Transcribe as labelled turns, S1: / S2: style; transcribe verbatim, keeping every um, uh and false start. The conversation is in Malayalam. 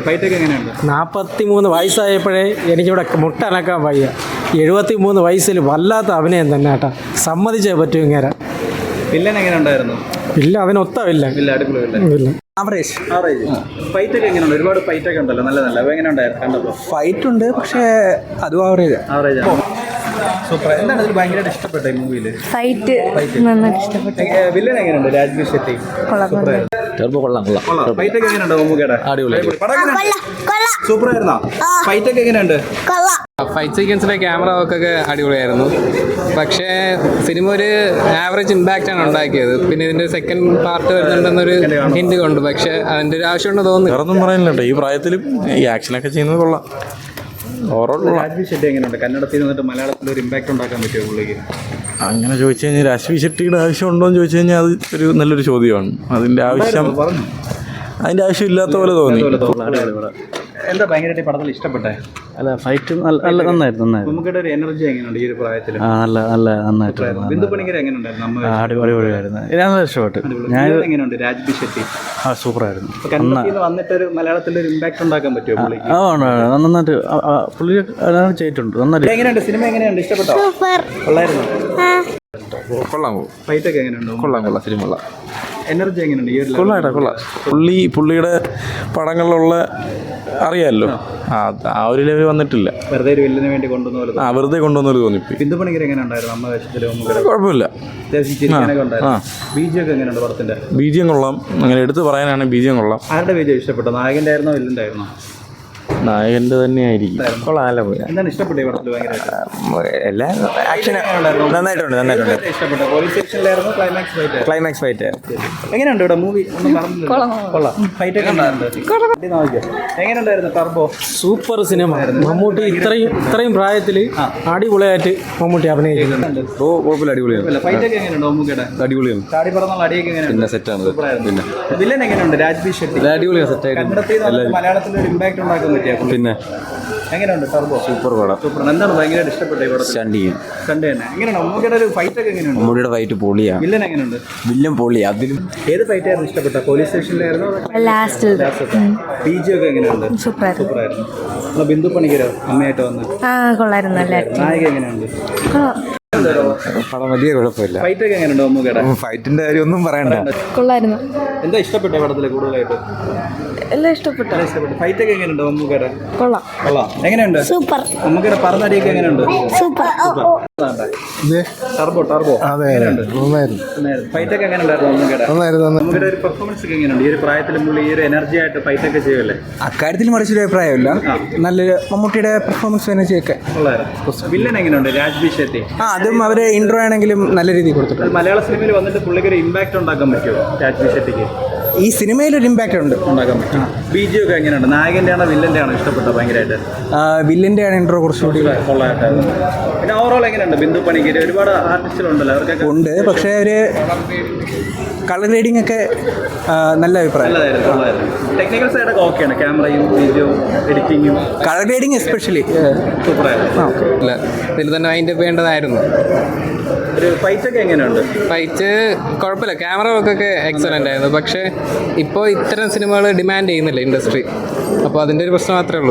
S1: ഫൈറ്റ് ഒക്കെ എങ്ങനെയുണ്ട്?
S2: നാൽപ്പത്തി മൂന്ന് വയസ്സായപ്പോഴേ എനിക്കിവിടെ മുട്ടനക്കാൻ വയ്യ. എഴുപത്തി മൂന്ന് വയസ്സിൽ വല്ലാത്ത അഭിനയം തന്നെ കേട്ടാ, സമ്മതിച്ചേ പറ്റൂ ഇങ്ങനെ.
S1: വില്ലൻ എങ്ങനെ ഉണ്ടായിരുന്നു?
S2: ഇല്ല, അതിനൊത്തമില്ല.
S1: ഇല്ല, അടിപൊളി
S2: ഇല്ല.
S1: ആവറേജ് ആവറേജ് ഫൈറ്റ് ഒക്കെ എങ്ങനെയുണ്ട്? ഒരുപാട് ഫൈറ്റ് ഒക്കെ ഉണ്ടല്ലോ, നല്ല നല്ല. എങ്ങനെ ഉണ്ടായിരുന്നു കണ്ടപ്പോൾ?
S3: ഫൈറ്റ് ഉണ്ട്, പക്ഷേ അതും ആവറേജ്
S1: ആവറേജ് സൂപ്പർ. എന്താണ് ഇതിൽ ഭയങ്കരമായിട്ട് ഇഷ്ടപ്പെട്ട ഈ മൂവിയിൽ?
S4: ഫൈറ്റ് നന്നായിട്ട് ഇഷ്ടപ്പെട്ടു.
S1: വില്ലൻ എങ്ങനെയുണ്ട്? രാജ്വി ഷെട്ടി സൂപ്പർ ആയിരുന്നു. ഫൈറ്റ് ഒക്കെ എങ്ങനെയുണ്ട്? മമ്മൂക്കയുടെ സൂപ്പർ ആയിരുന്നോ? ഫൈറ്റ് ഒക്കെ എങ്ങനെയുണ്ട്?
S5: ഫൈറ്റ് സീക്വൻസിലെ ക്യാമറ വർക്കൊക്കെ അടിപൊളിയായിരുന്നു. പക്ഷേ സിനിമ ഒരു ആവറേജ് ഇമ്പാക്റ്റ് ആണ് ഉണ്ടാക്കിയത്. പിന്നെ ഇതിന്റെ സെക്കൻഡ് പാർട്ട് വരുന്നുണ്ടെന്നൊരു ഹിന്റ് കൊണ്ട്, പക്ഷെ അതിന്റെ ഒരു ആവശ്യമുണ്ട് തോന്നുന്നു.
S6: വേറൊന്നും പറയാനില്ല, ഈ പ്രായത്തിലും ഈ ആക്ഷനൊക്കെ ചെയ്യുന്നത് കൊള്ളാം.
S1: രാജ്വി ഷെട്ടി എങ്ങനെയുണ്ട്? കന്നഡത്തിൽ നിന്നിട്ട് മലയാളത്തിൽ ഒരു ഇമ്പാക്ട് ഉണ്ടാക്കാൻ പറ്റുമോ പുള്ളിക്ക്?
S6: അങ്ങനെ ചോദിച്ചു കഴിഞ്ഞാൽ രാജ്വി ഷെട്ടിയുടെ ആവശ്യമുണ്ടോ എന്ന് ചോദിച്ചു കഴിഞ്ഞാൽ അത് ഒരു നല്ലൊരു ചോദ്യമാണ്. അതിൻ്റെ ആവശ്യം അതിൻ്റെ ആവശ്യം ഇല്ലാത്ത പോലെ തോന്നി.
S1: എന്താ ഭയങ്കരമായിട്ട് പടത്തിൽ ഇഷ്ടപ്പെട്ടെ?
S3: അല്ല, ഫൈറ്റ് നല്ല നന്നായിരുന്നു നന്നായിരുന്നു
S1: നമുക്കിടെ ഒരു എനർജി എങ്ങനെയുണ്ട് ഈ ഒരു പ്രായത്തിൽ?
S3: ആ നല്ല നല്ല നന്നായിട്ട്
S1: ബിന്ദു പണിക്കർ എങ്ങനെയുണ്ടായിരുന്നു?
S3: അടിപൊളിയായിരുന്നു. ഞാൻ ഇഷ്ടപ്പെട്ടു. ഞാൻ
S1: എങ്ങനെയുണ്ട് രാജ്വി ഷെട്ടി?
S3: ആ സൂപ്പറായിരുന്നു.
S1: കന്നഡത്തിൽ വന്നിട്ട് ഒരു മലയാളത്തിൽ ഒരു ഇമ്പാക്ട് ഉണ്ടാക്കാൻ പറ്റുമോ പുള്ളിക്ക്?
S3: ആ നന്നായിട്ട് പുള്ളി ചെയ്തിട്ടുണ്ട്. നന്നായിട്ട്.
S1: എങ്ങനെയുണ്ട് സിനിമ? എങ്ങനെയുണ്ട്? ഇഷ്ടപ്പെട്ടോ? കൊള്ളായിരുന്നു.
S6: കൊള്ളാം.
S1: ഫൈറ്റ് ഒക്കെ എങ്ങനെയുണ്ട്?
S6: കൊള്ളാം കൊള്ളാം സിനിമ കൊള്ളാം.
S1: എനർജി എങ്ങനെയുണ്ട് ഈ ഒരു?
S6: കൊള്ളാം കൊള്ളാം. പുള്ളി പുള്ളിയുടെ പടങ്ങളിലുള്ള അറിയാമല്ലോ, ആ ആ ഒരു ലെവൽ വന്നിട്ടില്ല.
S1: വെറുതെ ഒരു വില്ലിന് വേണ്ടി കൊണ്ടുവന്ന പോലെ.
S6: ആ വെറുതെ കൊണ്ടുവന്നൊരു തോന്നിപ്പി.
S1: ബിന്ദു പണിക്കർ എങ്ങനെ ഉണ്ടായിരുന്നു? അമ്മ വേഷത്തിൽ
S6: കുഴപ്പമില്ല,
S1: അത്യാവശ്യം ചിരിക്കാനൊക്കെ ഉണ്ടായിരുന്നു. ബീജം ഒക്കെ എങ്ങനെയുണ്ട് പടത്തിന്റെ?
S6: ബീജിയം കൊള്ളാം. അങ്ങനെ എടുത്ത് പറയാനാണ് ബീജിയം കൊള്ളാം.
S1: ആരുടെ ബീജം ഇഷ്ടപ്പെട്ടു? നായകന്റെ ആയിരുന്നോ വില്ലന്റെ ആയിരുന്നോ?
S6: നായകന്റെ തന്നെയായിരിക്കും.
S3: കൊള്ളാം, നല്ല പോയി.
S1: എന്താണ് ഇഷ്ടപ്പെട്ടു ഈ പടത്തിൽ? ഭയങ്കരമായിട്ട്
S3: എല്ലാ ആക്ഷൻ നന്നായിട്ടുണ്ട് നന്നായിട്ടുണ്ട്
S1: ഇഷ്ടപ്പെട്ടു. പോലീസ് സ്റ്റേഷനിലായിരുന്നു ക്ലൈമാക്സ് ഫൈറ്റ്.
S3: ക്ലൈമാക്സ് ഫൈറ്റ്
S1: എങ്ങനെയുണ്ട് ഇവിടെ മൂവി? ഒന്നും പറഞ്ഞില്ല. കൊള്ളാം. ഫൈറ്റ് ഒക്കെ ഉണ്ടായിരുന്നു. എങ്ങനെയുണ്ടായിരുന്നു ടർബോ?
S2: Super cinema. മമ്മൂട്ടി ഇത്രയും ഇത്രയും പ്രായത്തിൽ അടിപൊളിയായിട്ട് മമ്മൂട്ടി അഭിനയിക്കുന്നുണ്ട്.
S6: ഓ കുഴപ്പമില്ല, അടിപൊളിയാണ്.
S1: ഫൈറ്റ് ഒക്കെ എങ്ങനെയുണ്ട് മമ്മൂക്കയുടെ?
S6: അടിപൊളിയാണ്.
S1: ചാടി പറന്നുള്ള അടിയൊക്കെ എങ്ങനെയുണ്ട്?
S6: സെറ്റാണ്.
S1: പിന്നെ വില്ലൻ എങ്ങനെയുണ്ട്? രാജ്വി ഷെട്ടി
S6: അടിപൊളിയാണ്, സെറ്റായിട്ട്.
S1: കന്നഡത്തിൽ നിന്ന് മലയാളത്തിൽ ഒരു ഇമ്പാക്ട് ഉണ്ടാക്കാൻ പറ്റിയ
S6: പിന്നെ
S1: എങ്ങനെയുണ്ട് ടർബോ?
S6: സൂപ്പർ പടം.
S1: സൂപ്പർ. എന്താണ് ഭയങ്കരമായിട്ട് ഇഷ്ടപ്പെട്ട ഈ പടം?
S6: സ്റ്റണ്ട് ചെയ്യും.
S1: സ്റ്റണ്ട് തന്നെ. എങ്ങനെയാണ് മമ്മൂക്കയുടെ ഒരു ഫൈറ്റ് ഒക്കെ എങ്ങനെയുണ്ട്?
S6: മമ്മൂടിയുടെ ഫൈറ്റ് പൊളിയാണ്.
S1: വില്ലൻ എങ്ങനെയുണ്ട്?
S6: വില്ലൻ പൊളി. അതിലും
S1: ഏത് ഫൈറ്റ് ആയിരുന്നു ഇഷ്ടപ്പെട്ട? പോലീസ് സ്റ്റേഷനിലായിരുന്നു?
S4: ലാസ്റ്റ്
S1: ബീജി ഒക്കെ എങ്ങനെയുണ്ട്?
S4: സൂപ്പറായിരുന്നു.
S1: സൂപ്പറായിരുന്നു. നമ്മൾ ബിന്ദു പണിക്കരോ അമ്മയായിട്ട് വന്ന്?
S4: ആ കൊള്ളായിരുന്നു. നല്ല
S1: നായിക എങ്ങനെയുണ്ട്?
S6: പടം വലിയ കുഴപ്പമില്ല.
S1: ഫൈറ്റ് ഒക്കെ എങ്ങനെയുണ്ട് മമ്മൂക്കയുടെ?
S6: ഫൈറ്റിന്റെ കാര്യം ഒന്നും പറയണ്ട.
S4: കൊള്ളായിരുന്നു.
S1: എന്താ ഇഷ്ടപ്പെട്ട പടത്തില് കൂടുതലായിട്ട്?
S4: എല്ലാം ഇഷ്ടപ്പെട്ടു.
S1: ഇഷ്ടപ്പെട്ടു. ഫൈറ്റ് ഒക്കെ എങ്ങനെയുണ്ട് മമ്മൂക്കയുടെ?
S4: കൊള്ളാം.
S1: കൊള്ളാം. എങ്ങനെയുണ്ട്
S4: സൂപ്പർ.
S1: മമ്മൂക്കയുടെ പറന്നടിയൊക്കെ എങ്ങനെയുണ്ട്?
S4: സൂപ്പർ.
S1: ടർബോ ടർബോ
S2: അതെ, നന്നായിരുന്നു.
S1: ഫൈറ്റ് ഒക്കെ എങ്ങനെയുണ്ടായിരുന്നു മമ്മൂക്കയുടെ? മമ്മൂക്കയുടെ ഒരു പെർഫോമൻസ് ഒക്കെ എങ്ങനെയുണ്ട്? ഈ ഒരു പ്രായത്തിൽ മുള്ളി ഈ ഒരു എനർജി ആയിട്ട് ഫൈറ്റ് ഒക്കെ ചെയ്യുമല്ലേ?
S3: അക്കാര്യത്തിൽ മറിച്ചൊരു അഭിപ്രായമില്ല. നല്ലൊരു മമ്മൂട്ടിയുടെ പെർഫോമൻസ് എനർജിയൊക്കെ.
S1: വില്ലൻ എങ്ങനെയുണ്ട്? രാജ്വി ഷെട്ടി.
S3: ആ അതും അവരെ ഇൻട്രോ ആണെങ്കിലും നല്ല രീതിയിൽ കൊടുത്തിട്ടുണ്ട്.
S1: മലയാള സിനിമയിൽ വന്നിട്ട് പുള്ളിക്ക് ഒരു ഇമ്പാക്ട് ഉണ്ടാക്കാൻ പറ്റുമോ രാജ്വി ഷെട്ടിക്ക്?
S3: ഈ സിനിമയിൽ ഒരു ഇമ്പാക്റ്റ് ഉണ്ട്.
S1: ഉണ്ടാക്കാൻ പറ്റും. ബീജി ഒക്കെ എങ്ങനെയുണ്ട്? നായകന്റെ ആണോ വില്ലന്റെ ആണോ ഇഷ്ടപ്പെട്ടത് ഭയങ്കരമായിട്ട്?
S3: വില്ലിന്റെ ആണ് ഇൻട്രോ കുറച്ചുകൂടി
S1: കൊള്ളായിട്ടായിരുന്നു. പിന്നെ ഓവറോൾ എങ്ങനെയുണ്ട്? ബിന്ദു പണിക്കര് ഒരുപാട് ആർട്ടിസ്റ്റുകളുണ്ടല്ലോ, അവർക്കൊക്കെ
S3: ഉണ്ട്. പക്ഷേ ഒരു കളർ റീഡിംഗ് ഒക്കെ നല്ല അഭിപ്രായം.
S1: നല്ലതായിരുന്നു. കൊള്ളായിരുന്നു. ടെക്നിക്കൽ സൈഡൊക്കെ ഓക്കെയാണ്. ക്യാമറയും വീഡിയോയും എഡിറ്റിങ്ങും
S3: കളർ റീഡിംഗ് എസ്പെഷ്യലി
S1: സൂപ്പറായിരുന്നു.
S5: ഇല്ല, ഇതിൽ തന്നെ അതിൻ്റെ വേണ്ടതായിരുന്നു.
S1: ഒരു ഫൈറ്റ് ഒക്കെ എങ്ങനെയുണ്ട്?
S5: ഫൈറ്റ് കുഴപ്പമില്ല, ക്യാമറ വർക്കൊക്കെ എക്സലൻ്റ് ആയിരുന്നു. പക്ഷേ ഇപ്പോൾ ഇത്തരം സിനിമകൾ ഡിമാൻഡ് ചെയ്യുന്നില്ല ഇൻഡസ്ട്രി. അപ്പോൾ അതിൻ്റെ ഒരു പ്രശ്നം മാത്രമേ ഉള്ളൂ.